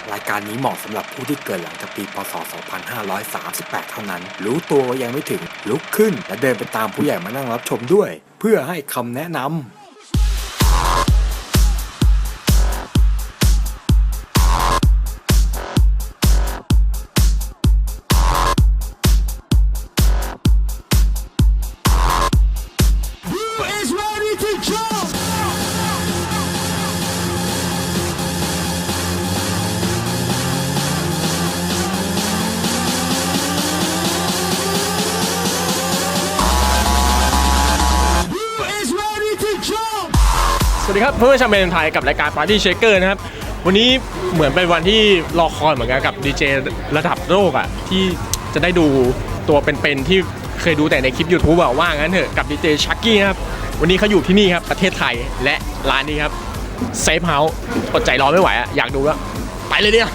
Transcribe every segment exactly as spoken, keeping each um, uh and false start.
รายการนี้เหมาะสำหรับผู้ที่เกิดหลังจากปีพ.ศ. สองพันห้าร้อยสามสิบแปด เท่านั้นรู้ตัวว่ายังไม่ถึงลุกขึ้นและเดินไปตามผู้ใหญ่มานั่งรับชมด้วยเพื่อให้คำแนะนำสวัสดีครับเพื่อนชาวเมนไทยกับรายการ Party Shaker นะครับวันนี้เหมือนเป็นวันที่รอคอยเหมือนกันกับดีเจระดับโลกอ่ะที่จะได้ดูตัวเป็นๆที่เคยดูแต่ในคลิป YouTube อะว่างั้นเถอะกับดีเจชักกี้นะครับวันนี้เขาอยู่ที่นี่ครับประเทศไทยและร้านนี้ครับเซฟเฮาส์อดใจรอไม่ไหวอ่ะอยากดูแล้วไปเลยเนี่ย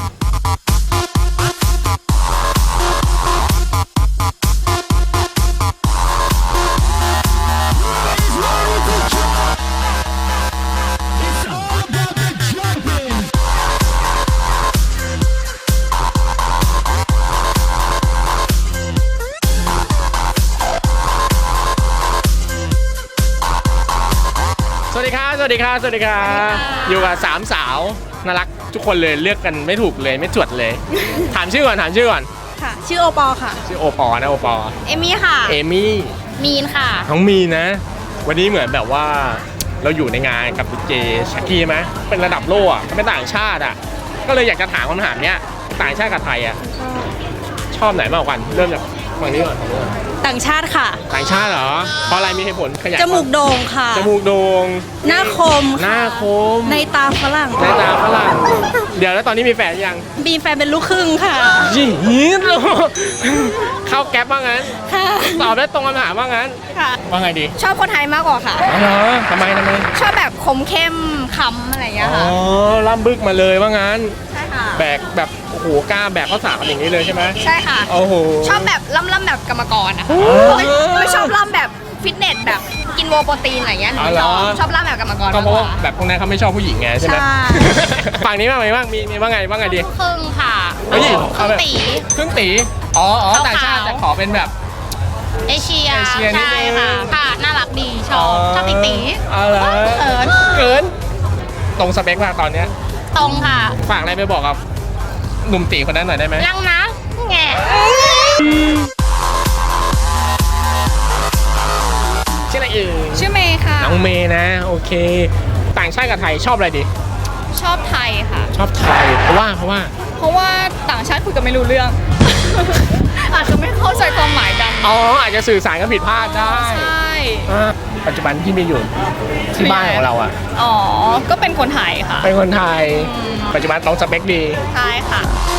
สวัสดีครับสวัสดีครับสวัสดีครับอยู่กับสามสาวน่ารักทุกคนเลยเลือกกันไม่ถูกเลยไม่จวดเลย ถามชื่อก่อนถามชื่อก่อนค่ะชื่อโอปอค่ะชื่อโอปอนะโอปอเอมี่ค่ะเอมี่มีนค่ะน้องมีนนะวันนี้เหมือนแบบว่าเราอยู่ในงานกับดีเจชักกี้ไหมเป็นระดับโลกอ่ะเป็นต่างชาติอ่ะก็เลยอยากจะถามคำถามเนี้ยต่างชาติกับไทยอ่ะชอบไหนมากกว่ากันเริ่มจากฝั่งนี้ก่อนต่างชาติค่ะต่างชาติเหรอเพราะอะไรมีเหตุผลขยายจมูกโด่งค่ะจมูกโด่งหน้าคมหน้าคมในตาฝรั่งในตาฝรั่งเดี๋ยวแล้วตอนนี้มีแฟนยังมีแฟนเป็นลูกครึ่งค่ะยี่หินเข้าแก๊ปว่างั้นตอบได้ตรงคำถามว่างั้นว่าไงดีชอบคนไทยมากกว่าค่ะเหรอทำไมทำไมชอบแบบคมเข้มคำอะไรอย่างเงี้ยค่ะอ๋อล่ำบึกมาเลยว่างั้นใช่ค่ะแบกแบบโอ้โหกล้าแบกข้าวสารอย่างนี้เลยใช่ไหมใช่ค่ะโอ้โหชอบแบบล่ำล่ำแบบกรรมกรอะไม่ชอบล่ำแบบฟิตเนสแบบกินโวโปรตีนอะไรเงี้ยหนูชอบชอบล่ำแบบกรรมกรก็เพราะว่าแบบพวกนั้นเขาไม่ชอบผู้หญิงไงใช่ไหมฝั่งนี้บ้างไหมบ้างมีมีว่าไงว่าไงดีครึ่งค่ะครึ่งตีครึ่งตีอ๋ออ๋อต่างชาติจะขอเป็นแบบเอเชียใช่ค่ะค่ะน่ารักดีชอบชอบตีตีอะไรเขินเขินตรงสเปคมากตอนเนี้ยตรงค่ะฝากอะไรไปบอกกับหนุ่มตีคนนั้นหน่อยได้ไหมยังนะแง่ชื่ออะไรเอ่ยชื่อเมย์ค่ะน้องเมย์นะโอเคต่างชาติกับไทยชอบอะไรดีชอบไทยค่ะชอบไทยเพราะว่าเพราะว่าเพราะว่าต่างชาติคุยกันไม่รู้เรื่อง อาจจะไม่เข้าใจความหมายกันอ๋ออาจจะสื่อสารกันผิดพลาดได้ใช่ปัจจุบันที่มีอยู่ที่บ้านของเราอ่ะอ๋อก็เป็นคนไทยค่ะเป็นคนไทยปัจจุบันตรงสเปคดีใช่ค่ะ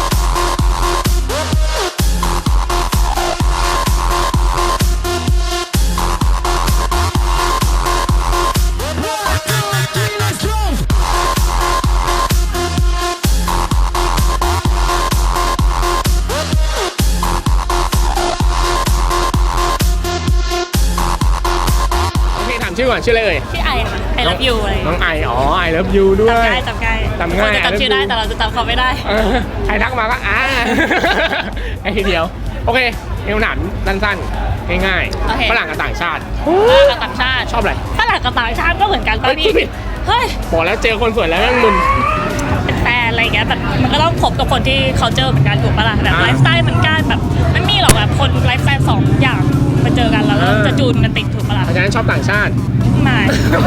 ชื่อก่อนชื่ออะไรเอ่ยชื่อไอค่ะ I love you อะไรน้องไออ๋อ I love you ด้วยจำง่ายจำง่ายจำง่ายจำชื่อได้แต่เราจะจำเขาไม่ได้ใครทักมาก็อ่าไอ้ทีเดียวโอเคเอวหนานสั้นๆง่ายๆฝรั่งกับต่างชาติฝรั่งกับต่างชาติชอบอะไรฝรั่งกับต่างชาติก็เหมือนกันตอนนี้เฮ้ยบอกแล้วเจอคนสวยแล้วนั่งมึนเป็นแฟนอะไรเงี้ยแบบมันก็ต้องคบกับคนที่เขาเจอเหมือนกันถูกปะล่ะแบบไลฟ์สไตล์มันกันแบบไม่มีหรอกแบบคนไลฟ์สไตล์สองอย่างมาเจอกันแล้วจะจูนกันติดถูกปะล่ะเพราะฉะนั้นชอบต่างชาติไม่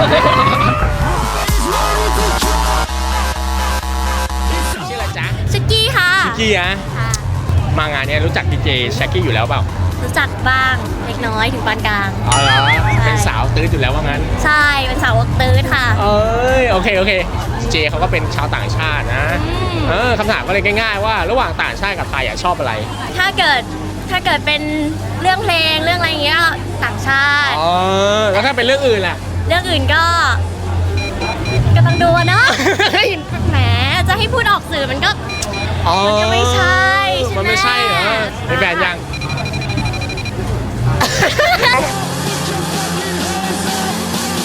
ชื่ออะไรจ๊ะชักกี้ค่ะชักกี้อะมางานนี้รู้จักดีเจชักกี้อยู่แล้วเปล่ารู้จักบ้างเล็กน้อยถึงปานกลางอ๋อเหรอเป็นสาวตื้ออยู่แล้วว่างั้นใช่เป็นสาวตื้อค่ะเอ้ยโอเคโอเคเจเขาก็เป็นชาวต่างชาตินะเออคำถามก็เลยง่ายๆว่าระหว่างต่างชาติกับไทยชอบอะไรถ้าเกิดถ้าเกิดเป็นเรื่องเพลงเรื่องอะไรเงี้ยต่างชาติอ๋อแล้วถ้าเป็นเรื่องอื่นล่ะเรื่องอื่นก็ก็ต้องดูเนาะแหมจะให้พูดออกสื่อมันก็มันก็ไม่ใช่มันไม่ใช่เหรอมีแฟนยัง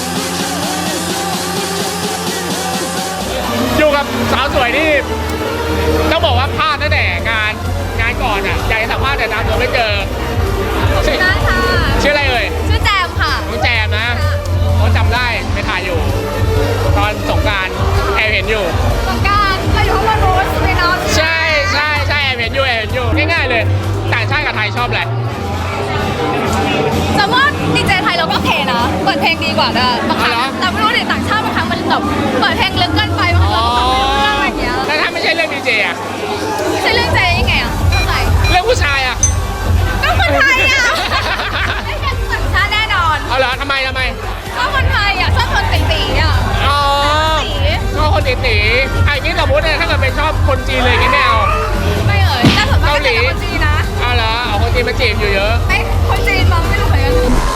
อยู่กับสาวสวยที่ต้องบอกว่าพลาดตั้งแต่งานงานก่อนอ่ะอยากจะสัมภาษณ์แต่ตามตัวไม่เจอชื่อได้ค่ะชื่ออะไรเอ่ยชื่อแจมค่ะน้องแจมนะเขาจำได้ไปถ่ายอยู่ ตอนสงกรานต์แอบเห็นอยู่สงการเราอยู่ข้างบนโรสเลยเนาะใช่ใช่ใช่แอบเห็นอยู่แอบเห็นอยู่ง่ายๆเลยต่างชาติกับไทยชอบอะไรสมมติดีเจไทยเราก็โอเคนะ เปิดเพลงดีกว่าด้วยบางครั้งอ๋อเหรอแต่ไม่รู้ดิต่างชาติบางครั้งมันแบบเปิดเพลงลึกเกินไปบางครั้งเราก็ฟังไม่รู้เรื่องอะไรอย่างเงี้ยแล้วถ้าไม่ใช่เรื่องดีเจอะใช่เรื่องใจยังไงอ่ะเข้าใจเรื่องผู้ชายอะก็คนไทยอ่ะไม่ใช่ต่างชาติแน่นอนเอาเหรอทำไมทำไมชอบคนไทยอ่ะชอบคนตีๆอ่ะอ๋อชอบคนตีตีไอ้นี่สมมติเนี่ยถ้าเกิดเป็นชอบคนจีนเลยอย่างงี้ไม่เอาไม่เอ่ยแต่ส่วนมากก็จะเป็นคนจีนนะเอาเหรอเอาคนจีนมาจีบอยู่เยอะไม่คนจีนมั้งไม่รู้เหมือนกัน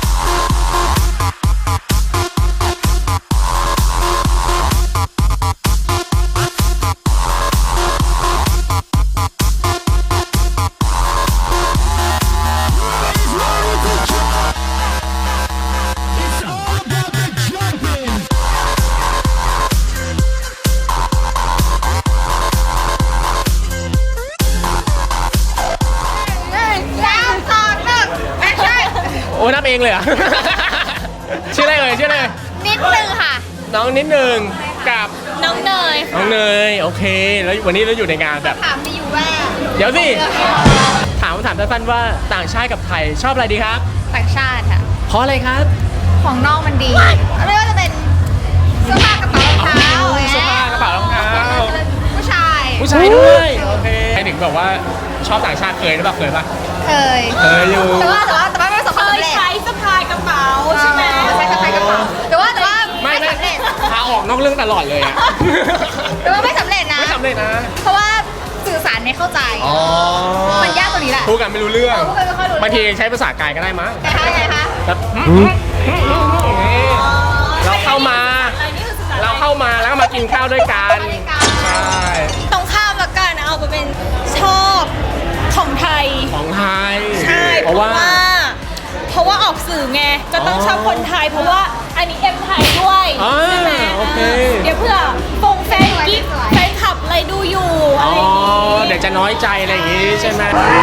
แล้วสองหนึ่งแอคชั่นโอ้นับเองเลยเหรอ ชื่ออะไรเอ่ยชื่ออะไรนิดนึงค่ะน้องนิดหนึ่งกับน้องเนยน้องเนยโอเค แล้ววันนี้เราอยู่ในงานแบบถามมีอยู่ว่าเดี๋ยวสิ ถามคำถามสั้นๆว่าต่างชาติกับไทยชอบอะไรดีครับต่างชาติค่ะเพราะอะไรครับของนอกมันดีไม่ว่าจะเป็นเสื้อผ้ากระเป๋ารองเท้าเสื้อผ้ากระเป๋ารองเท้าผู้ชายผู้ชายด้วยโอเคใครถึงบอกว่าชอบต่างชาติเคยหรือเปล่าเคยปะเคยเคยอยู่แต่ว่าแต่ว่าแต่ว่าไม่ประสบความสำเร็จใช้สะพายกระเป๋าใช่ไหมใช้สะพายกระเป๋าแต่ว่าแต่ว่าไม่ไม่ไม่สำเร็จพาออกนอกเรื่องตลอดเลยอะแต่ว่าไม่สำเร็จนะไม่สำเร็จนะเพราะว่าสื่อสารไม่เข้าใจอ๋อมันยากตรงนี้แหละพูดกันไม่รู้เรื่องพูดกันไม่ค่อยรู้เรื่องบางทีใช้ภาษากายก็ได้มั้งไงคะไงคะแบบเราเข้ามา เราเข้ามาแล้วก็มากินข้าวด้วยกัน ใช่ตรงข้ามละกันเอาไปเป็นชอบของไทยของไทยใช่เพราะว่าเพราะว่าออกสื่อไงก็ต้องอ๋อชอบคนไทย เพราะว่าอันนี้เอ็มไทยด้วยอ่าใช่ไหมโอเคเดี๋ยวเพื่อฟงแฟนกิ๊กแฟนคลับอะไรดูอยู่อะอ๋ไรออย่างงี้เดี๋ยวจะน้อยใจอะไรอย่างงี้ใช่ไหม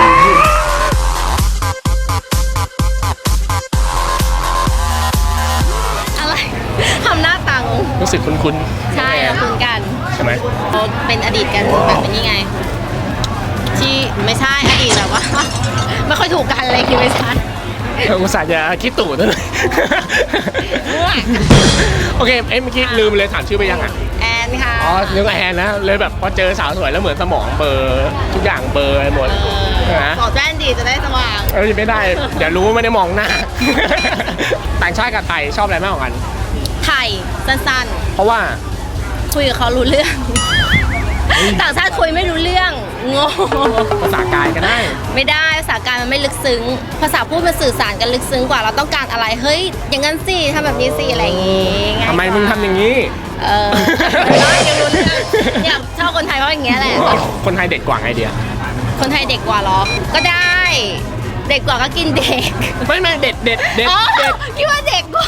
อะไรทำหน้าตังรู้สึกคุ้นๆใช่เราคุยกันใช่ไหมเราเป็นอดีตกันแบบเป็นยังไง ที่ไม่ใช่อดีตแบบว่า ไม่ค่อยถูกกันอะไรคือไม่ใช่อุตส่าห์จะคิดตู่นั่นเลยมั่วโอเคเอ้ยเมื่อกี้ลืมเลยถามชื่อไปยังอ่ะแอนค่ะอ๋อนึกว่าแอนนะ เลยแบบพอเจอสาวสวยแล้วเหมือนสมองเบลอร์ทุกอย่างเบลอร์ไปหมดนะบอกแว่นดีจะได้สว่างเออไม่ได้ เดี๋ยวรู้ว่าไม่ได้มองหน้า ต่างชาติกับไทยชอบอะไรมากกว่ากันไทยสั้นเพราะว่าๆ คุยกับเขารู้เรื่อง ต่างชาติคุยไม่รู้เรื่องงงภาษากายก็ได้ไม่ได้ภาษากายมันไม่ลึกซึ้ง ภาษาพูดมันสื่อสารกันลึกซึ้งกว่าเราต้องการอะไรเฮ้ยอย่างนั้นสิทำแบบนี้สิอะไรอย่างงี้ง่ายกว่าทำไมมึงทำอย่างนี้เออน้อยยังรู้เรื่องเนี่ยชอบคนไทยเพราะอย่างเงี้ยแหละคนไทยเด็กกว่าไงเดียคนไทยเด็กกว่าเหรอ ก็ได้ เด็กกว่าก็กินเด็กไม่ไม่เด็ดเด็ดเด็ดอ๋อเด็ดคิดว่าเด็กกว่า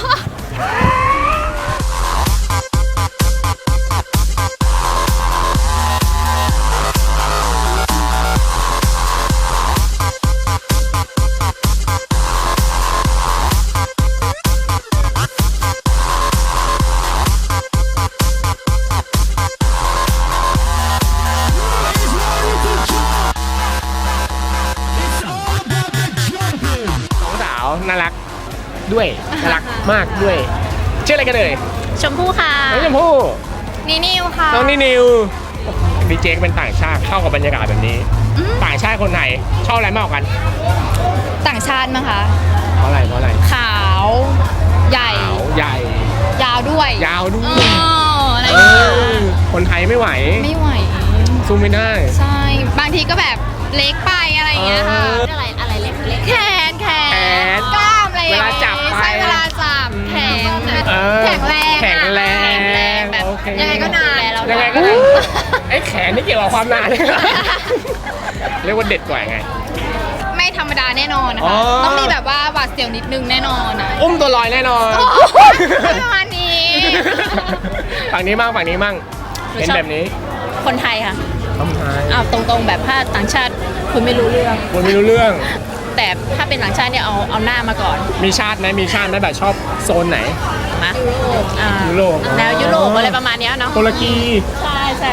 สองสาวน่ารักด้วยน่ารักมากด้วยชื่ออะไรกันเลยชมพู่ค่ะน้องชมพู่นี่นิวค่ะน้องนินิวดีเจเป็นต่างชาติเข้ากับบรรยากาศแบบนี้ ต่างชาติคนไหนชอบอะไรมากกว่ากันต่างชาติมั้งคะเพราะอะไรเพราะอะไรขาว ใหญ่ขาวใหญ่ยาวด้วยยาวด้วเอย ออะไรอเอย่างเงี้ยอคนไทยไม่ไหวไม่ไหวสู้ไม่ได้ใช่ บางทีก็แบบเล็กไปอะไรอย่างเงี้ยค่ะเอออะไรอะไรเล็กเล็กแขนแขแขนนกล้ามอะไรอย่างเวเงี้ลาย จับไปใช่เวลาจับแข็งเออแข็งแรงแข็งแรงแข็งแรงแบบโอเคยังไงก็นานยังไงก็ได้ไอ้แขนนี่เกี่ยวกับความนานเลยเรียกว่าเด็ดกว่าไงไม่ธรรมดาแน่นอนนะอ๋คะอต้องมีแบบว่าหวาดเสียวนิดนึงแน่นอนนะอุ้มตัวลอยแน่นอนโอ้โหประมาณนี้ฝั่งนี้มั่งฝั่งนี้มั่งหนูเห็นชอบแบบนี้คนไทยค่ะคำไทยอ้าวตรงๆแบบถ้าต่างชาติคุณไม่รู้เรื่องคนไม่รู้เรื่องแต่ถ้าเป็นต่างชาติเนี่ยเอาเอาหน้ามาก่อนมีชาติไหมมีชาติไหมแบบชอบโซนไหนนะอ่ายุโรปแนวยุโรปอะไรประมาณเนี้ยเนาะตุรกีใช่ใช่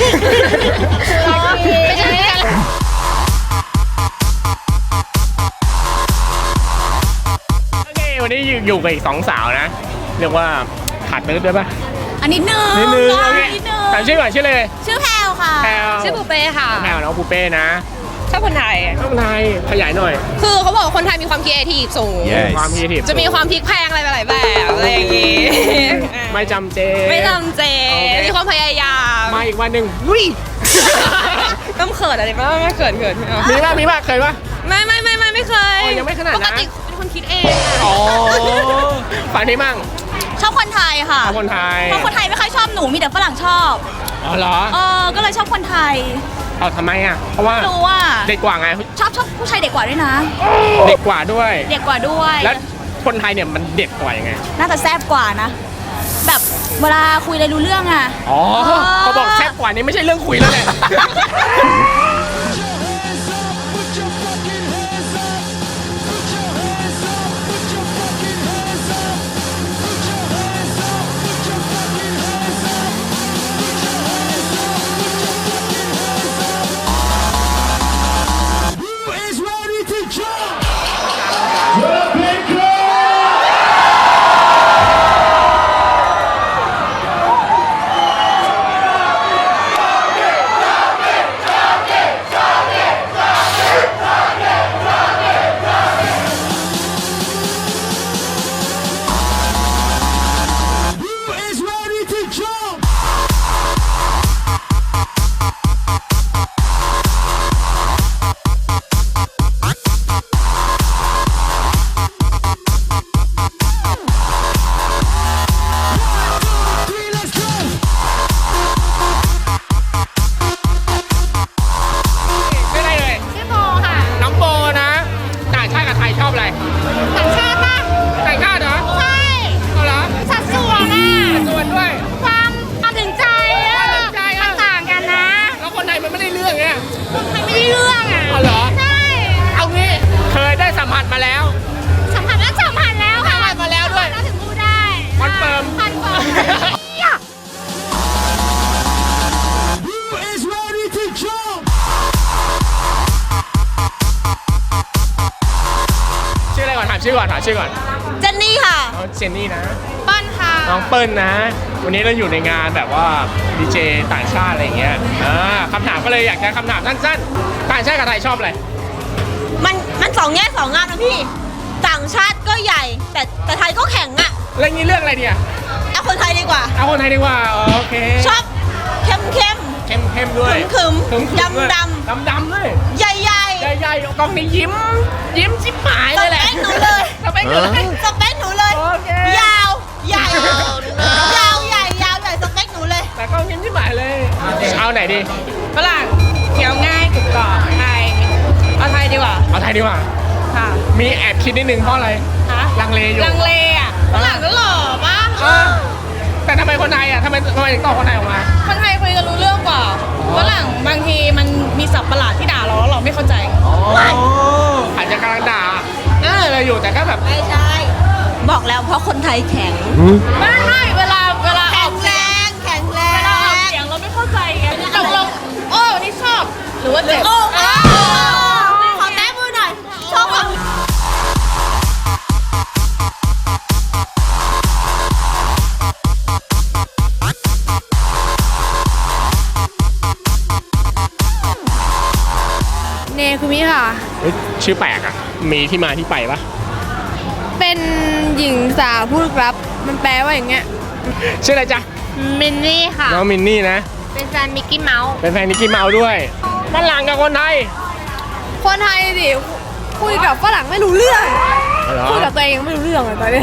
ไม่ใช่กันโอเควันนี้อยู่กับอีกสองสาวนะ เรียกว่าขาดเติร์ดด้วยป่ะอันนิดนึงนิดนึงโอเคนิดนึงถามชื่อก่อนชื่อเลยชื่อแพลวค่ะแพลวชื่อปูเป้ค่ะแพลวน้องปูเป้นะชอบคนไทยน้องไทยขยายหน่อยคือเขาบอกว่าคนไทยมีความคิดเอทีฟสูงความพีทีฟจะมีความพลิกแพลงอะไรหลายแบบอะไรอย่างงี้ไม่จำเจไม่ทำเจโอเคมีความพยายามมาอีกวันหนึ่งลุยต้องเขินอะไรบ้างไม่เขินเขินมีป่ะมีป่ะเคยป่ะไม่ไม่ไม่ไม่ไม่เคยอ๋อยังไม่ขนาดนั้นปกติเป็นคนคิดเองอ๋อฝันที่มั่งชอบคนไทยค่ะเอาคนไทยเพราะคนไทยไม่ค่อยชอบหนูมีแต่ฝรั่งชอบอ๋อเหรอเออก็เลยชอบคนไทยเอาทำไมอ่ะเพราะว่ารู้ว่าเด็กกว่าไงชอบชอบผู้ชายเด็กกว่าด้วยนะเด็กกว่าด้วยเด็กกว่าด้วยแล้วคนไทยเนี่ยมันเด็ดกว่ายังไงน่าจะแซ่บกว่านะ แบบเวลาคุยอะไรรู้เรื่องอ่ะอ๋อเขาบอกแซ่บกว่านี้ไม่ใช่เรื่องคุยแล้วแหละ ไม่ได้เลยชื่อโบค่ะน้องโบนะ ต่างชาติกับไทยชอบอะไรต่างชาติป่ะต่างชาติเหรอใช่เอาเหรอสัดส่วนอ่ะส่วนด้วยความความถึงใจอ่ะความถึงใจอะมันต่างกันนะแล้วคนไทยมันไม่ได้เรื่องไงคนไทยไม่ได้เรื่องอ่ะเอาเหรอใช่เอางี้เคยได้สัมผัสมาแล้วสัมผัสแล้วสัมผัสแล้วค่ะสัมผัสมาแล้วด้วยสัมผัสแล้วถึงพูดได้คอนเฟิร์มคอนเฟิร์มชื่ออะไรก่อนถามชื่อก่อนถามชื่อก่อนเจนนี่ค่ะน้องเจนนี่นะป้อนค่ะน้องเปิ้ลนะ วันนี้เราอยู่ในงานแบบว่าดีเจต่างชาติอะไรอย่างเงี้ยอ่าคำถามก็เลยอยากจะคำถามสั้นๆต่างชาติกับไทยชอบอะไรมันมันสองแง่สองงามนะพี่ ต่างชาติก็ใหญ่ แต่แต่ไทยก็แข็งอ่ะเรื่องนี้เรื่องอะไรเนี่ยเอาคนไทยดีกว่าเอาคนไทยดีกว่าอ๋อโอเคชอบเข้มเข้มเข้มเข้มด้วยขึมๆขึมๆด้วยดำดำดำๆด้วยใหญ่ใหญ่ใหญ่ๆกล้องนี้ยิ้ม ยิ้มชิบหายสเลยแหเปละคหนูเลยสเปคหนูเลยสเปคหนูเลยโอเคยาว ใหญ่ ยาวใหญ่ยาวใหญ่สเปคหนูเลยแต่กล้องยิ้มชิบหายเลยเอาไหนดีฝรั่งเคี้ยวง่ายกรุบกรอบไทยเอาไทยดีกว่าเอาไทยดีกว่าค่ะมีแอบคิดนิดนึงเพราะอะไรฮะลังเลอยู่ลังเลอ่ะฝรั่งก็หล่อปะเออแต่ทำไมคนไทยอ่ะทำไมทำไมถึงตอบคนไทยออกมาคนไทยคุยกันรู้เรื่องกว่าฝรั่งบางทีมันมีศัพท์ประหลาดที่ด่าเราแล้วเราไม่เข้าใจอาจจะกำลังด่าเออเลยอยู่แต่ก็แบบไม่ใช่ บอกแล้วเพราะคนไทยแข็งไม่ไม่เวลาเวลาอแข็อง กแรเสียงง แข็งแรเวลาออกงเสียงเราไม่เข้าใจไงตกลงโอ้นี่ชอบ หรือว่าเจ็บโอ้โหขอแต้มือหน่อย ชอบแบบเนคุมิค่ะเฮ้ยชื่อแปลกอ่ะ มีที่มาที่ไปปะเป็นหญิงสาวผู้ลึกลับ มันแปลว่าอย่างเงี้ยชื่ออะไรจ๊ะมินนี่ค่ะน้องมินนี่นะเป็นแฟนมิกกี้เมาส์เป็นแฟนนิกกี้เมาส์ด้วยฝรั่งกับคนไทยคนไทยดิคุยกับฝรั่งไม่รู้เรื่องเหรอคุยกับตัวเองยังไม่รู้เรื่องเลยตอนนี้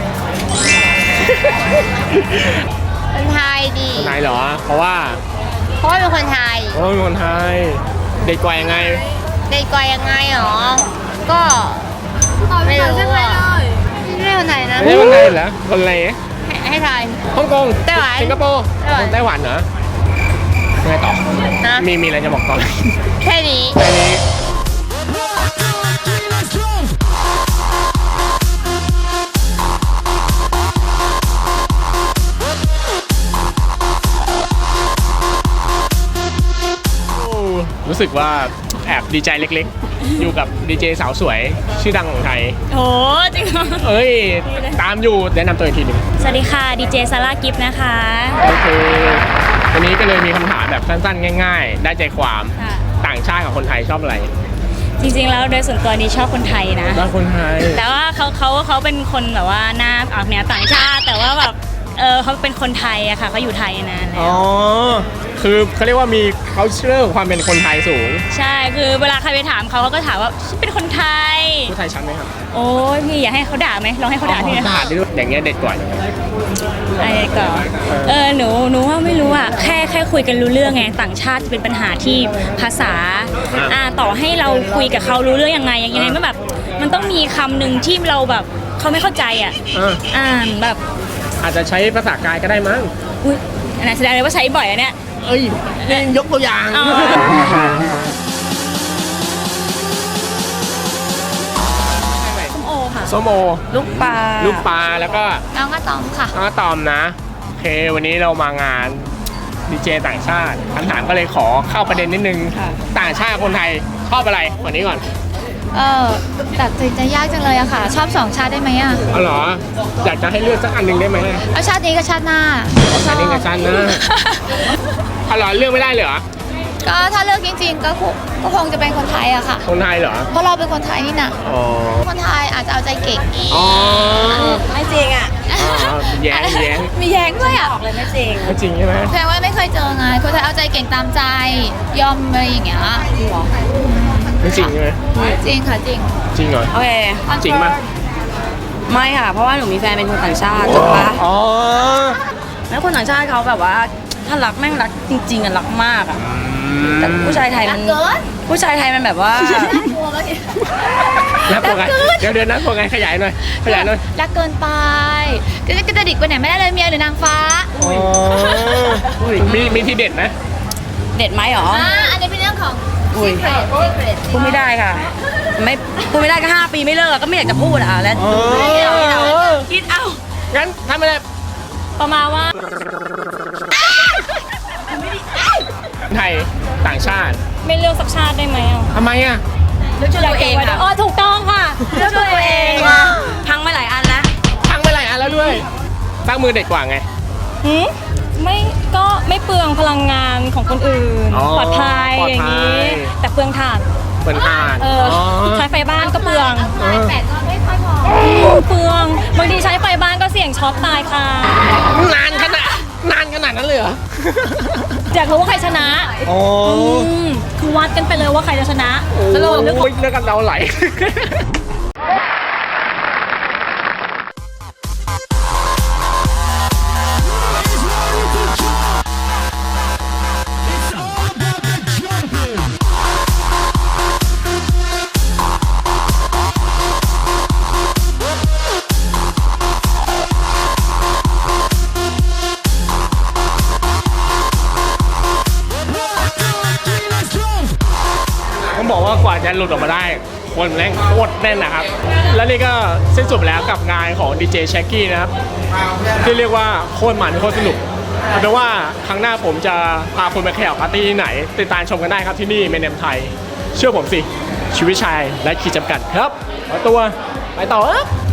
คนไทยดีคนไทยเหรอ เพราะว่าเพราะว่าเป็นคนไทยเพราะว่าเป็นคนไทย เด็กกว่ายังไงเด็กกว่ายังไงหรอ ก็ไม่รู้อ่ะไม่ใช่คนไทยนะไม่ใช่คนไทยเหรอ คนอะไรให้ให้ทายฮ่องกงไต้หวันสิงคโปร์ไต้หวันไต้หวันเหรอยังไงต่อนะมีมีอะไรจะบอกตอนนี้แค่นี้แค่นี้โอ้รู้สึกว่าแอบดีใจเล็กๆ อยู่กับดีเจสาวสวยชื่อดังของไทยโหจริงเหรอเอ้ย ตามอยู่แนะนำตัวอีกทีหนึ่งสวัสดีค่ะดีเจซาร่ากิฟต์นะคะโอเควันนี้ก็เลยมีคำถามแบบสั้นๆ ง่ายๆ ได้ใจความค่ะต่างชาติกับคนไทยชอบอะไรจริงๆแล้วโดยส่วนตัวนี้ชอบคนไทยนะชอบคนไทยแต่ว่าเขาเขาเขาเป็นคนแบบว่าหน้าออกแนวต่างชาติ แต่ว่าแบบเออเขาเป็นคนไทยอะค่ะเขาอยู่ไทยนานแล้อ๋วอ คือเขาเรียกว่ามี culture ของความเป็นคนไทยสูงใช่คือเวลาใครไปถามเขาเขาก็ถามว่าฉันเป็นคนไทยผู้ไทยชัดไหมครับโอ้ยพี่อยากให้เขาด่าไหมลองให้เขาด่าพี่นะด่าได้ด้วยอย่างเงี้ยเด็ดกว่าอย่างเงี้ยอะไรก่อนเออหนูหนูว่าไม่รู้อะแค่แค่คุยกันรู้เรื่องไงต่างชาติจะเป็นปัญหาที่ภาษาอ่าต่อให้เราคุยกับเขารู้เรื่องยังไงยังไงมันแบบมันต้องมีคำหนึ่งที่เราแบบเขาไม่เข้าใจอะเอออ่านแบบอาจจะใช้ภาษากายก็ได้มั้งอุ้ยอันนั้นแสดงเลยว่าใช้บ่อยอะเนี่ยเอ้ยเล่นยกตัวอย่างอ๋อ ส้มโอค่ะส้มโอลูกปลาลูกปลาแล้วก็น้องก็ตอมค่ะน้องอะตอมนะ โอเค วันนี้เรามางานดีเจต่างชาติคำถามก็เลยขอเข้าประเด็นนิดนึง ต่างชาติคนไทยชอบอะไรวันนี้ก่อนเออตัดสินใจยากจังเลยอะค่ะ ชอบสองชาติได้ไหมอะเอาเหรอ อยากจะให้เลือกสักอันหนึ่งได้ไหมเอาชาตินี้กับชาติหน้าชาตินี้กับชาติหน้า เอาเหรอเลือกไม่ได้เลยเหรอก็ถ้าเลือกจริงๆก็คงก็คงจะเป็นคนไทยอะค่ะคนไทยเหรอเพราะเราเป็นคนไทยนี่นะอ๋อคนไทยอาจจะเอาใจเก่งอ๋อไม่จริงอะอ๋อแย้งแย้งมีแย้งด้วยอะบอกเลยไม่จริงไม่จริงใช่ไหมแสดงว่าไม่เคยเจอไงคนไทยเอาใจเก่งตามใจ ยอมอะไรอย่างเงี้ยไม่จริงใช่ไหมจริงค่ะจริงจริงเหรอโอเคจริงป่ะไม่ค่ะ เพราะว่าหนูมีแฟนเป็นคนต่างชาติถูกปะอ๋อแล้วคนต่างชาติเขาแบบว่าถ้ารักแม่งรักจริงๆอ่ะรักมากอ่ะแต่ผู้ชายไทยรัมักนเกินผู้ชายไทยมันแบบว่ากลัวเมื่อกี้นับตัวไงเดี๋ยวเดี๋ยวนับตัวไงขยายหน่อยขยายหน่อยรักเกินไปก็จะกระดิกไปไหนไม่ได้เลยเมียหรือนางฟ้าอ๋อมีมีทีเด็ดไหมเด็ดไหมหรออ่าอันนี้เป็นเรื่องของอุ้ย secret secret พูดไม่ได้ค่ะ ไม่พูดไม่ได้ก็ห้าปีไม่เลิกก็ไม่อยากจะพูดอ่ะแล้วอ๋อคิดเอาคิดเอาคิดเอางั้นทำอะไรประมาณว่าไทยต่างชาติไม่เลือกสักชาติได้ไหมอ่ะทำไมอ่ะเลือกช่วยตัวเองไว้ด้วค่ะยอ๋อถูกต้องค่ะเลือกช่วยตัวเองพังมาหลายอันแล้วพังไปหลายอันแล้วด้วยตั้งมือเด็ดกว่าไงหืมไม่ก็ไม่เปลืองพลังงานของคนอื่นอ๋อปลอดภัยปลอดอย่างภันี้ยแต่เปลืองถ่านเปิดอ่านเอออใช้ไฟบ้านก็เปลืองลายแปดก็ไม่ค่อยพอเปลืองบางทีใช้ไฟบ้านก็เสี่ยงช็อตตายค่ะนานขนาดนานขนาดนั้นเลยเหรออยากรู้ว่าใครชนะอ๋ออืมคือวัดกันไปเลยว่าใครจะชนะสรุปเลือกกันเดาไหล ต้องบอกว่ากว่าจะหลุดออกมาได้ คนแม่งโคตรแน่นนะครับ และนี่ก็สิ้นสุดแล้วกับงานของดีเจแช็กกี้นะครับ ที่เรียกว่าโคตรมันโคตรสนุกเอาเป็นว่าครั้งหน้าผมจะพาคุณไปแข่งปาร์ตี้ที่ไหน ติดตามชมกันได้ครับที่นี่เมนเนมไทย เชื่อผมสิ ชีวิตชายและขีดจำกัดครับขอตัว ไปต่อเอ้อ